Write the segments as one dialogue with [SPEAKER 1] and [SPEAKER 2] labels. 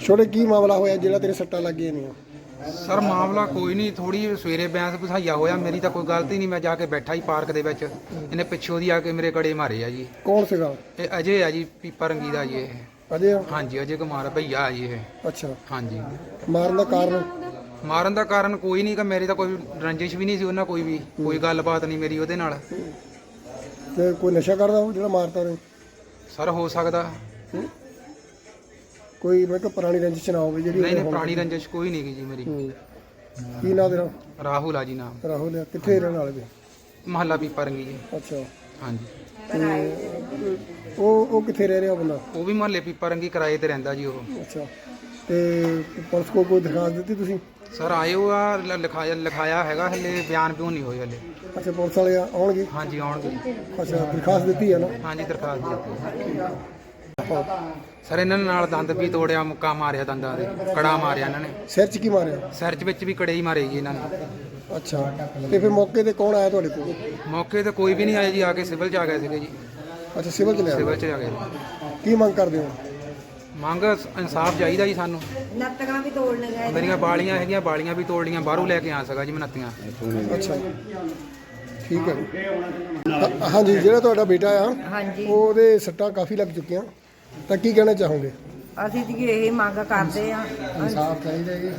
[SPEAKER 1] ਛੋਟੇ ਕੀ ਮਾਮਲਾ ਹੋਇਆ ਜਿਹੜਾ ਤੇਰੇ ਸੱਟਾਂ ਲੱਗੀਆਂ ਨੇ?
[SPEAKER 2] ਸਰ ਮਾਮਲਾ ਕੋਈ ਨਹੀਂ, ਥੋੜੀ ਸਵੇਰੇ ਬੈਂਸ ਬਸਾਈਆ ਹੋਇਆ, ਮੇਰੀ ਤਾਂ ਕੋਈ ਗਲਤੀ ਨਹੀਂ। ਮੈਂ ਜਾ ਕੇ ਬੈਠਾ ਹੀ ਪਾਰਕ ਦੇ ਵਿੱਚ, ਇਹਨੇ ਪਿੱਛੋਂ ਦੀ ਆ ਕੇ ਮੇਰੇ ਕੜੇ ਮਾਰੇ ਆ ਜੀ।
[SPEAKER 1] ਕੌਣ ਸੀਗਾ?
[SPEAKER 2] ਇਹ ਅਜੇ ਆ ਜੀ, ਪੀਪਾ ਰੰਗੀ ਦਾ ਜੀ ਇਹ।
[SPEAKER 1] ਅਜੇ?
[SPEAKER 2] ਹਾਂਜੀ ਅਜੇ ਕੁਮਾਰ ਭਈਆ ਆ ਜੀ ਇਹ।
[SPEAKER 1] ਅੱਛਾ।
[SPEAKER 2] ਹਾਂਜੀ।
[SPEAKER 1] ਮਾਰਨ ਦਾ ਕਾਰਨ?
[SPEAKER 2] ਮਾਰਨ ਦਾ ਕਾਰਨ ਕੋਈ ਨਹੀਂ, ਕਿ ਮੇਰੀ ਤਾਂ ਕੋਈ ਰੰਜਿਸ਼ ਵੀ ਨਹੀਂ ਸੀ ਉਹਨਾਂ, ਕੋਈ ਗੱਲਬਾਤ ਨਹੀਂ ਮੇਰੀ ਉਹਦੇ ਨਾਲ।
[SPEAKER 1] ਤੇ ਕੋਈ ਨਸ਼ਾ ਕਰਦਾ ਉਹ ਜਿਹੜਾ ਮਾਰਤਾ ਉਹਨੇ?
[SPEAKER 2] ਸਰ ਹੋ ਸਕਦਾ।
[SPEAKER 1] ਕੋਈ ਮੈਂ ਕਿਹਾ ਪੁਰਾਣੀ ਰੰਜਿਸ਼ ਨਾ ਹੋਵੇ ਜਿਹੜੀ?
[SPEAKER 2] ਨਹੀਂ ਪੁਰਾਣੀ ਰੰਜਿਸ਼ ਕੋਈ ਨਹੀਂ ਜੀ ਮੇਰੀ।
[SPEAKER 1] ਕੀ ਨਾਂ ਤੇਰਾ?
[SPEAKER 2] ਰਾਹੁਲ ਆ ਜੀ ਨਾਮ।
[SPEAKER 1] ਰਾਹੁਲ ਆ। ਕਿੱਥੇ ਰਹਿਣ ਵਾਲੇ?
[SPEAKER 2] ਮਹੱਲਾ ਪੀਪਾ ਰੰਗੀ ਜੀ।
[SPEAKER 1] ਅੱਛਾ।
[SPEAKER 2] ਹਾਂਜੀ।
[SPEAKER 1] ਤੇ ਉਹ ਕਿੱਥੇ ਰਹਿ ਰਿਹਾ ਬੰਦਾ?
[SPEAKER 2] ਉਹ ਵੀ ਮਹੱਲੇ ਪੀਪਾ ਰੰਗੀ ਕਿਰਾਏ ਤੇ ਰਹਿੰਦਾ ਜੀ ਉਹ।
[SPEAKER 1] ਅੱਛਾ। ਤੇ ਪੁਲਿਸ ਕੋਲ ਕੋਈ ਦਰਖਾਸਤ ਦਿੱਤੀ ਤੁਸੀਂ?
[SPEAKER 2] ਸਰ ਆਏ ਹੋ ਆ, ਲਿਖਾਇਆ ਹੈਗਾ, ਹਲੇ ਬਿਆਨ ਬਿਊਨ ਨਹੀਂ ਹੋਏ ਹਲੇ।
[SPEAKER 1] ਅੱਛਾ, ਪੁਲਿਸ ਵਾਲੇ ਆਉਣਗੇ?
[SPEAKER 2] ਹਾਂਜੀ ਆਉਣਗੇ।
[SPEAKER 1] ਅੱਛਾ, ਦਰਖਾਸਤ ਦਿੱਤੀ ਹੈ ਨਾ?
[SPEAKER 2] ਹਾਂਜੀ ਦਰਖਾਸਤ ਦਿੱਤੀ। ਸਰ ਇਹਨਾਂ ਨੇ ਨਾਲ ਦੰਦ ਵੀ ਤੋੜਿਆ, ਮੁੱਕਾ ਮਾਰਿਆ, ਦੰਦਾਂ ਦੇ ਕੜਾ ਮਾਰਿਆ ਇਹਨਾਂ ਨੇ।
[SPEAKER 1] ਸਿਰ 'ਚ ਕੀ ਮਾਰਿਆ?
[SPEAKER 2] ਸਿਰ 'ਚ ਵਿੱਚ ਵੀ ਕੜੇ ਹੀ ਮਾਰੇ ਜੀ ਇਹਨਾਂ ਨੇ।
[SPEAKER 1] ਅੱਛਾ। ਤੇ ਫਿਰ ਮੌਕੇ ਤੇ ਕੌਣ ਆਇਆ ਤੁਹਾਡੇ ਕੋਲ?
[SPEAKER 2] ਮੌਕੇ ਤੇ ਕੋਈ ਵੀ ਨਹੀਂ ਆਇਆ ਜੀ, ਆ ਕੇ ਸਿਵਲ 'ਚ ਆ ਗਏ ਸੀਗੇ ਜੀ।
[SPEAKER 1] ਅੱਛਾ, ਸਿਵਲ 'ਚ ਲਿਆ?
[SPEAKER 2] ਸਿਵਲ 'ਚ ਆ ਗਏ।
[SPEAKER 1] ਕੀ ਮੰਗ ਕਰਦੇ ਹੋ?
[SPEAKER 2] ਮੰਗ ਇਨਸਾਫ ਚਾਹੀਦਾ ਜੀ ਸਾਨੂੰ।
[SPEAKER 3] ਨੱਤੀਆਂ ਵੀ ਤੋੜਨ ਗਏ।
[SPEAKER 2] ਮੇਰੀਆਂ ਬਾਲੀਆਂ ਹੈਗੀਆਂ, ਬਾਲੀਆਂ ਵੀ ਤੋੜ ਲੀਆਂ, ਬਾਹਰੋਂ ਲੈ ਕੇ ਆ ਸਗਾ ਜੀ ਮੈਂ ਨੱਤੀਆਂ।
[SPEAKER 1] ਅੱਛਾ, ਠੀਕ ਹੈ ਜੀ। ਹਾਂਜੀ, ਜਿਹੜਾ ਤੁਹਾਡਾ ਬੇਟਾ ਆ,
[SPEAKER 3] ਹਾਂਜੀ,
[SPEAKER 1] ਉਹਦੇ ਸੱਟਾਂ ਕਾਫੀ ਲੱਗ ਚੁੱਕੀਆਂ, ਤਾਂ ਕੀ ਕਹਿਣਾ ਚਾਹੋਗੇ?
[SPEAKER 3] ਅਸੀਂ ਜੀ ਇਹ ਮੰਗ ਕਰਦੇ ਆ।
[SPEAKER 1] ਇਨਸਾਫ ਚਾਹੀਦਾ ਜੀ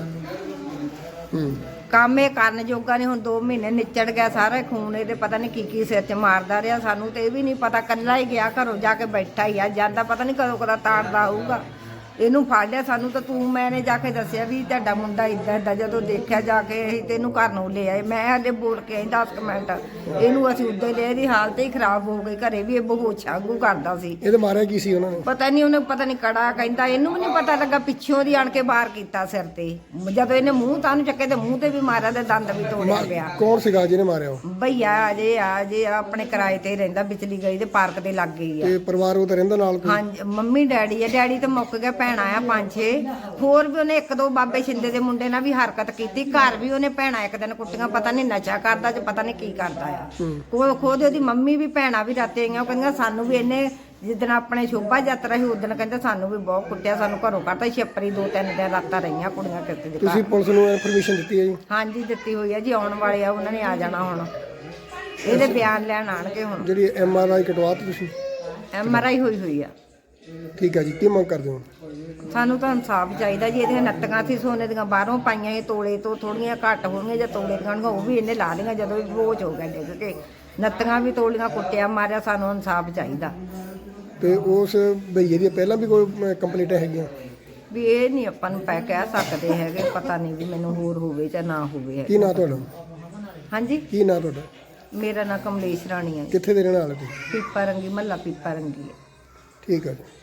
[SPEAKER 1] ਸਾਨੂੰ।
[SPEAKER 3] ਕੰਮ ਇਹ ਕਰਨ ਜੋਗਾ ਨਹੀਂ। ਹੁਣ 2 ਮਹੀਨੇ ਨਿਚੜ ਗਿਆ, ਸਾਰਾ ਖੂਨ ਇਹਦੇ ਪਤਾ ਨਹੀਂ ਕੀ ਸਿਰ 'ਚ ਮਾਰਦਾ ਰਿਹਾ। ਸਾਨੂੰ ਤੇ ਇਹ ਵੀ ਨਹੀਂ ਪਤਾ, ਕੱਲਾ ਹੀ ਗਿਆ, ਘਰੋਂ ਜਾ ਕੇ ਬੈਠਾ ਹੀ ਆ, ਜਾਂਦਾ ਪਤਾ ਨਹੀਂ ਕਦੋਂ ਕਦਾ ਤਾੜਦਾ ਹੋਊਗਾ। ਇਹਨੂੰ ਫੜ ਲਿਆ ਸਾਨੂੰ ਤਾਂ ਮੈਨੇ ਜਾ ਕੇ ਦੱਸਿਆ ਵੀ ਤੁਹਾਡਾ ਮੁੰਡਾ ਇਦਾਂ ਇਦਾਂ। ਜਦੋਂ ਦੇਖਿਆ ਜਾ ਕੇ ਅਸੀਂ ਤੇ ਇਹਨੂੰ ਘਰ ਨੂੰ ਲੈ ਆਏ। ਮੈਂ ਹਲੇ ਬੋਲ ਕੇ ਆਈ 10 ਮਿੰਟ, ਇਹਨੂੰ ਅਸੀਂ ਉੱਦਾਂ ਲੈ, ਇਹਦੀ ਹਾਲਤ ਹੀ ਖਰਾਬ ਹੋ ਗਈ। ਘਰੇ ਵੀ ਇਹ ਬੇਹੋਸ਼ ਵਾਂਗੂ ਕਰਦਾ ਸੀ।
[SPEAKER 1] ਇਹਦੇ ਮਾਰਿਆ ਕੀ ਸੀ ਉਹਨਾਂ ਨੇ?
[SPEAKER 3] ਪਤਾ ਨਹੀਂ, ਉਹਨੇ ਪਤਾ ਨਹੀਂ ਕੜਾ ਕਹਿੰਦਾ, ਇਹਨੂੰ ਵੀ ਨਹੀਂ ਪਤਾ ਲੱਗਾ। ਪਿੱਛੋਂ ਦੀ ਆਣ ਕੇ ਬਾਹਰ ਕੀਤਾ ਸਿਰ ਤੇ। ਜਦੋਂ ਇਹਨੇ ਮੂੰਹ ਤਾਂ ਨੂੰ ਚੱਕੇ ਤੇ ਮੂੰਹ ਤੇ ਵੀ ਮਾਰਿਆ ਤੇ ਦੰਦ ਵੀ ਤੋੜਿਆ ਪਿਆ।
[SPEAKER 1] ਕੌਣ ਸੀਗਾ ਜਿਹਨੇ ਮਾਰਿਆ ਉਹ?
[SPEAKER 3] ਭਈਆ ਅਜੇ ਆਪਣੇ ਕਿਰਾਏ ਤੇ ਰਹਿੰਦਾ, ਵਿਚਲੀ ਗਈ ਦੇ ਪਾਰਕ ਦੇ ਲੱਗ ਗਈ ਆ।
[SPEAKER 1] ਤੇ ਪਰਿਵਾਰ ਉਹ ਤਾਂ ਰਹਿੰਦਾ ਨਾਲ ਕੋਈ?
[SPEAKER 3] ਹਾਂਜੀ, ਮੰਮੀ ਡੈਡੀ ਆ। ਡੈਡੀ ਤੇ ਮੁੱਕ ਗਿਆ, ਭੈਣਾਂ ਆ 5-6 ਹੋਰ ਵੀ। ਉਹਨੇ 1-2 ਬਾਬੇ ਛਿੰਦੇ ਦੇ ਮੁੰਡੇ ਨਾਲ ਵੀ ਹਰਕਤ ਕੀਤੀ। ਘਰ ਵੀ ਉਹਨੇ ਭੈਣਾਂ ਇੱਕ ਦਿਨ ਕੁੱਟੀਆਂ, ਪਤਾ ਨਹੀਂ ਨਸ਼ਾ ਕਰਦਾ ਜਾਂ ਪਤਾ ਨਹੀਂ ਕੀ ਕਰਦਾ ਆ। ਖੁਦ ਉਹਦੀ ਮੰਮੀ ਵੀ ਭੈਣਾਂ ਵੀ ਰਾਤੇ ਆਈਆਂ, ਉਹ ਕਹਿੰਦੀਆਂ ਸਾਨੂੰ ਵੀ ਇਹਨੇ ਜਿੱਦਣ ਆਪਣੇ ਸ਼ੋਭਾ ਯਾਤਰਾ ਸੀ ਉਦੋਂ ਕਹਿੰਦੇ ਸਾਨੂੰ ਵੀ ਬਹੁਤ ਕੁੱਟਿਆ, ਸਾਨੂੰ ਘਰੋਂ ਕੱਢਤਾ। ਛਿੱਪਰੀ 2-3 ਦਿਨ ਰਾਤਾਂ ਰਹੀਆਂ ਕੁੜੀਆਂ ਕਿਸੇ ਦੇ।
[SPEAKER 1] ਤੁਸੀਂ ਪੁਲਿਸ ਨੂੰ ਇਨਫੋਰਮੇਸ਼ਨ ਦਿੱਤੀ ਹੈ ਜੀ?
[SPEAKER 3] ਹਾਂਜੀ ਦਿੱਤੀ ਹੋਈ ਆ ਜੀ, ਆਉਣ ਵਾਲੇ ਆ, ਉਹਨਾਂ ਨੇ ਆ ਜਾਣਾ ਹੁਣ। ਇਹਦੇ ਬਿਆਨ ਲੈਣ ਆਣਗੇ ਹੁਣ।
[SPEAKER 1] ਜਿਹੜੀ MRI ਕਟਵਾਤੀ ਤੁਸੀਂ?
[SPEAKER 3] MRI ਹੋਈ ਆ।
[SPEAKER 1] ਠੀਕ ਹੈ ਜੀ। ਕੀ ਮੰਗ ਕਰਦੇ ਹੋ?
[SPEAKER 3] ਸਾਨੂੰ ਤਾਂ ਇਨਸਾਫ ਚਾਹੀਦਾ ਜੀ। ਇਹਦੀਆਂ ਨੱਤੀਆਂ ਸੀ ਸੋਨੇ ਦੀਆਂ, ਬਾਹਰੋਂ ਪਾਈਆਂ, ਇਹ ਤੋਲੇ ਤੋਂ ਥੋੜੀਆਂ ਘੱਟ ਹੋਣਗੀਆਂ ਜਾਂ ਤੋਲੇ ਖਾਣਗੀਆਂ, ਉਹ ਵੀ ਇਹਨੇ ਲਾ ਲਈਆਂ ਜਦੋਂ ਵੀ ਬੋਝ ਹੋ ਗਿਆ ਡਿੱਗ ਕੇ। ਨੱਤੀਆਂ ਵੀ ਤੋਲੀਆਂ, ਕੁੱਟਿਆ ਮਾਰਿਆ। ਸਾਨੂੰ ਇਨਸਾਫ ਚਾਹੀਦਾ।
[SPEAKER 1] ਤੇ ਉਸ ਭਈਏ ਦੀ ਪਹਿਲਾਂ ਵੀ ਕੋਈ ਕੰਪਲੇਂਟਾਂ ਹੈਗੀਆਂ?
[SPEAKER 3] ਵੀ ਇਹ ਨਹੀਂ ਆਪਾਂ ਨੂੰ ਕਹਿ ਸਕਦੇ ਹੈਗੇ, ਪਤਾ ਨਹੀਂ ਵੀ ਮੈਨੂੰ ਹੋਰ ਹੋਵੇ ਜਾਂ ਨਾ ਹੋਵੇ।
[SPEAKER 1] ਕੀ ਨਾਂ ਤੁਹਾਡਾ?
[SPEAKER 3] ਹਾਂਜੀ,
[SPEAKER 1] ਕੀ ਨਾਂ ਤੁਹਾਡਾ?
[SPEAKER 3] ਮੇਰਾ ਨਾਂ ਕਮਲੇਸ਼ ਰਾਣੀ ਹੈ।
[SPEAKER 1] ਕਿੱਥੇ ਦੇ ਰਹਿਣ ਵਾਲੇ ਤੁਸੀਂ?
[SPEAKER 3] ਪੀਪਾ ਰੰਗੀ, ਮਹੱਲਾ ਪੀਪਾ ਰੰਗੀ ਹੈ।
[SPEAKER 1] ਠੀਕ ਹੈ ਜੀ।